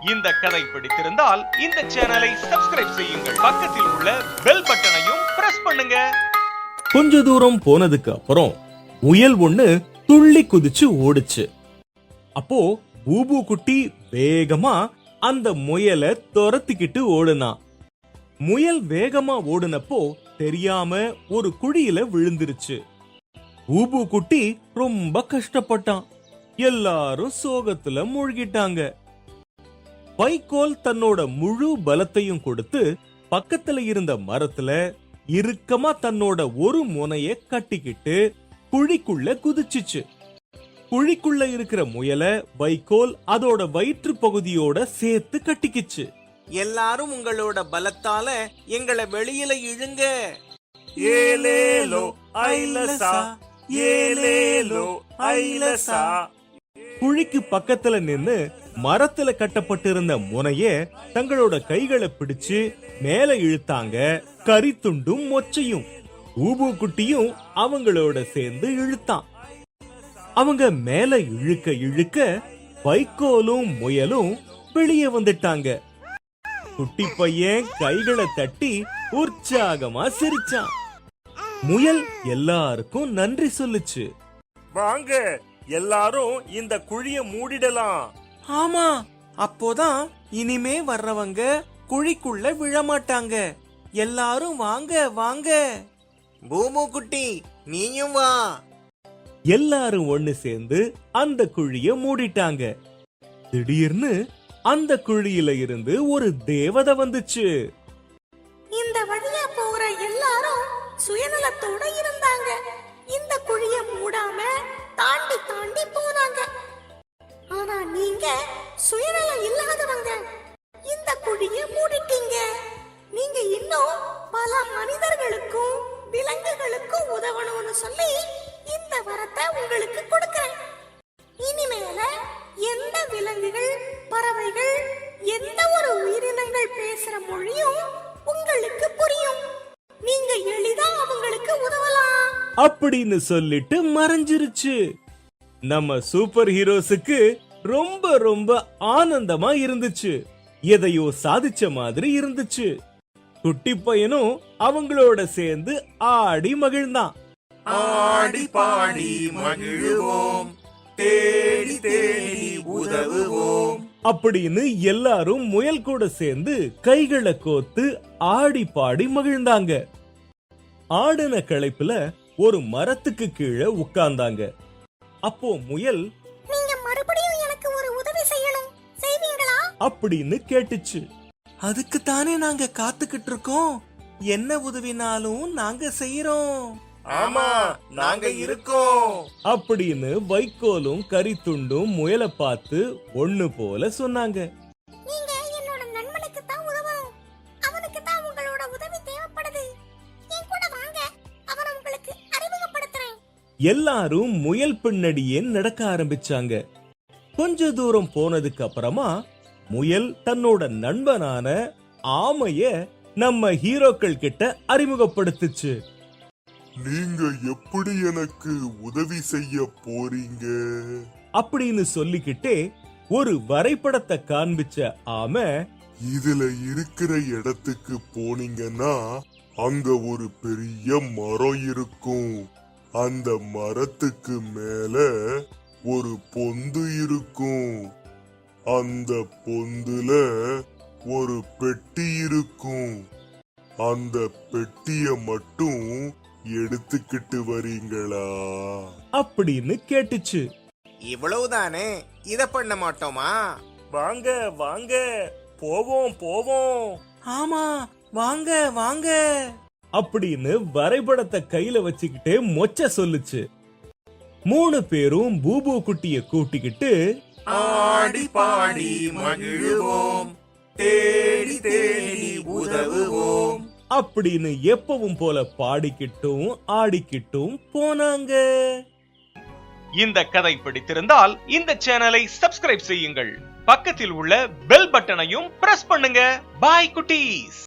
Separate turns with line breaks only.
இந்த கதை பிடித்திருந்தால் இந்த சேனலை சப்ஸ்கிரைப் செய்யுங்கள், பக்கத்தில் உள்ள பெல் பட்டனையும் பிரஸ் பண்ணுங்க.
கொஞ்ச தூரம் போனதுக்கு அப்புறம் முயல் ஒண்ணு துள்ளி குதிச்சு ஓடுச்சு. அப்போ பூபு குட்டி வேகமா அந்த முயலை துரத்திக்கிட்டு ஓடுனா. முயல் வேகமா ஓடுனப்போ தெரியாம ஒரு குழியில விழுந்துருச்சு. பூபு குட்டி ரொம்ப கஷ்டப்பட்டான். எல்லாரும் சோகத்துல மூழ்கிட்டாங்க. வைக்கோல் தன்னோட முழு பலத்தையும் கொடுத்து பக்கத்துல இருந்த மரத்துல இறுக்கமா தன்னோட ஒரு முனைய கட்டிக்கிட்டு குழிக்குள்ள குதிச்சுச்சு. குழிக்குள்ள இருக்கிற முயலை வைக்கோல் அதோட வயிற்று பகுதியோட சேர்த்து கட்டிக்கிச்சு.
எல்லாரும் உங்களோட பலத்தால எங்களை வெளியில இழுங்க.
ஏலேலோ ஐலசா, ஏலேலோ ஐலசா. குழிக்கு பக்கத்துல நின்னு மரத்துல கட்டப்பட்டிருந்த முனைய தங்களோட கைகளை பிடிச்சு மேல இழுத்தாங்க. கரித்துண்டும் மொச்சையும் பூபு குட்டியும் அவங்களோட சேர்ந்து இழுத்தான். அவங்க மேல இழுக்க இழுக்க வைக்கோலும் முயலும் வெளியே வந்துட்டாங்க. குட்டி பையன் கைகளை தட்டி உற்சாகமா சிரிச்சான். முயல் எல்லாருக்கும் நன்றி சொல்லுச்சு.
வாங்க எல்லாரும் இந்த குழிய மூடிடலாம்.
ஆமா, அப்போதான் இனிமே வர்றவங்க குழிக்குள்ள விழமாட்டாங்க. எல்லாரும் வாங்க வாங்க. பூமு குட்டி நீயும் வா.
எல்லாரும் ஒண்ணு சேர்ந்து அந்த குழிய மூடிட்டாங்க. திடீர்னு அந்த குழியில இருந்து ஒரு தேவதை வந்துச்சு.
இந்த வழியா போற எல்லாரும் சுயநலத்தோட இருந்தாங்க. இந்த குழிய மூடாம தாண்டி தாண்டி போனாங்க. ஆனா நீங்க சுயநலம் இல்லாதவங்க, இந்த குழிய மூடிட்டீங்க. நீங்க இன்னும் பல மனிதர்களுக்கும் விலங்குகளுக்கும் உதவணும்னு சொல்லி இந்த வரத்தை உங்களுக்கு கொடுக்கிறேன். இனிமேல எந்த விலங்குகள், பறவைகள், எந்த ஒரு உயிரினங்கள் பேசுற மொழியும் உங்களுக்கு புரியும். நீங்க எளிதா அவங்களுக்கு உதவலாம்
அப்படின்னு சொல்லிட்டு மறைஞ்சிருச்சு. நம்ம சூப்பர் ஹீரோஸுக்கு ரொம்ப ரொம்ப ஆனந்தமா இருந்துச்சு. எதையோ சாதிச்ச மாதிரி இருந்துச்சு. குட்டி பையனும் அவங்களோட சேர்ந்து ஆடி மகிழ்ந்தான்.
ஆடி பாடி மகிழுவோம், தேடி தேடி உதவுவோம்
அப்படின்னு எல்லாரும் முயல் கூட சேர்ந்து கைகளை கோத்து ஆடி பாடி மகிழ்ந்தாங்க. ஆடின களைப்புல ஒரு மரத்துக்கு கீழே உட்கார்ந்தாங்க. அப்போ முயல்,
நீங்க மறுபடியும் எனக்கு ஒரு உதவி செய்யணும், செய்வீங்களா
அப்படின்னு கேட்டுச்சு.
அதுக்கு தானே நாங்க காத்துக்கிட்டு இருக்கோம். என்ன உதவினாலும் நாங்க செய்யறோம்.
ஆமா, நாங்க இருக்கோம்
அப்படின்னு வைக்கோலும் கரித்துண்டும் முயலை பார்த்து ஒண்ணு போல சொன்னாங்க.
நீங்க என்னோட நண்பனுக்கு தான் உதவணும். அவனுக்கு தான் உங்களோட உதவி தேவைப்படுது. என் கூட வாங்க, அவனை உங்களுக்கு அறிமுகப்படுத்துறேன்.
எல்லாரும் முயல் பின்னடியே நடக்க ஆரம்பிச்சாங்க. கொஞ்ச தூரம் போனதுக்கு அப்புறமா முயல் தன்னோட நண்பனான ஆமைய நம்ம ஹீரோக்கள் கிட்ட அறிமுகப்படுத்துச்சு.
நீங்க எப்படி எனக்கு உதவி செய்ய போறீங்க
அப்படின்னு சொல்லிக்கிட்டே ஒரு வரைபடத்தை காண்பிச்ச ஆமை,
இதுல இருக்கிற இடத்துக்கு போனீங்கன்னா அங்க ஒரு பெரிய மரம் இருக்கும். அந்த மரத்துக்கு மேல ஒரு பொந்து இருக்கும். அந்த பொந்துல ஒரு பெட்டி இருக்கும். அந்த பெட்டிய மட்டும் எடுத்துக்கிட்டு வரீங்களா
அப்படின்னு கேட்டுச்சு.
இவ்வளவுதானே, இத பண்ண மாட்டோமா?
வாங்க வாங்க போவோம் போவோம்.
ஆமா, வாங்க வாங்க
அப்படின்னு வரைபடத்தை கையில வச்சுக்கிட்டே மொச்ச சொல்லுச்சு. 3 பேரும் பூபு குட்டிய கூட்டிக்கிட்டு
ஆடி பாடி மகிழுவோம், தேடி தேடி உதவுவோம்
அப்படின்னு எப்பவும் போல பாடிக்கிட்டும் ஆடிக்கிட்டும் போனாங்க.
இந்த கதை பிடித்திருந்தால் இந்த சேனலை சப்ஸ்கிரைப் செய்யுங்கள், பக்கத்தில் உள்ள பெல் பட்டனையும் பிரஸ் பண்ணுங்க. பாய் குட்டீஸ்.